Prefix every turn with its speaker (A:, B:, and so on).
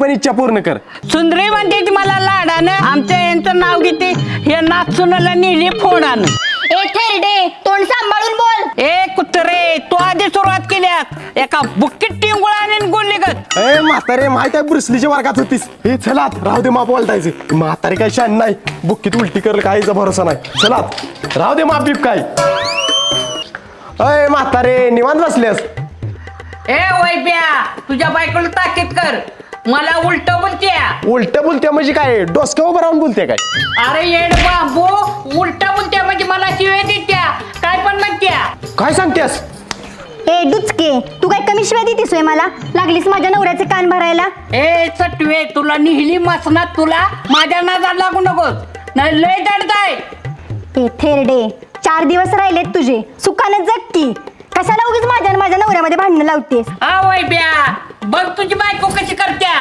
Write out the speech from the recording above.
A: पण इच्छा पूर्ण कर.
B: सुंदरी म्हणते ती मला लाडानं आमच्या यांचं नाव घेते हे नाचुनाला नेली फोडानं.
C: ए थेरडे तोंड सांभाळून बोल.
B: ए कुत्रे तू आधी सुरुवात केल्यास एका बुक्कीत टिंगुळाने गोली गत.
A: ए म्हातारे माहित आहे ब्रुसलीच्या वर्गात होतीस. हे चलात राहू दे माप बोलतायचे. म्हातारे काय शान नाही, बुक्कीत उलटी करल काहीचा भरोसा नाही. चलात राहू दे माप बीप काय. अय म्हातारे निवांत बसलेस.
B: ए वैब्या तुझ्या बायकोला ताकीद कर, मला उलट बोलत्या.
A: उलट बोलते म्हणजे काय, डोसक्या उभं राहून बोलते काय.
B: अरे येड बाबू उलट बोलत्या म्हणजे मला शिव्या देत्या काय पण म्हणत्या.
A: काय सांगतेस.
C: ए डुचके तू काय कमी शिवाय देतीस होय मला. लागलीस माझ्या नवऱ्याचे कान भरायला.
B: ए सटवे तुला निहिली मसनात, तुला माझ्या नादात लागू नकोस नाही लय दडताय.
C: ए थेरडे 4 दिवस राहिलेत तुझे, सुखाने जग की. कशाला उगीच माझ्या नवऱ्यामध्ये भांडणं लावतेस.
B: हा वैब्या बघ तुझी बायको कशी करत्या.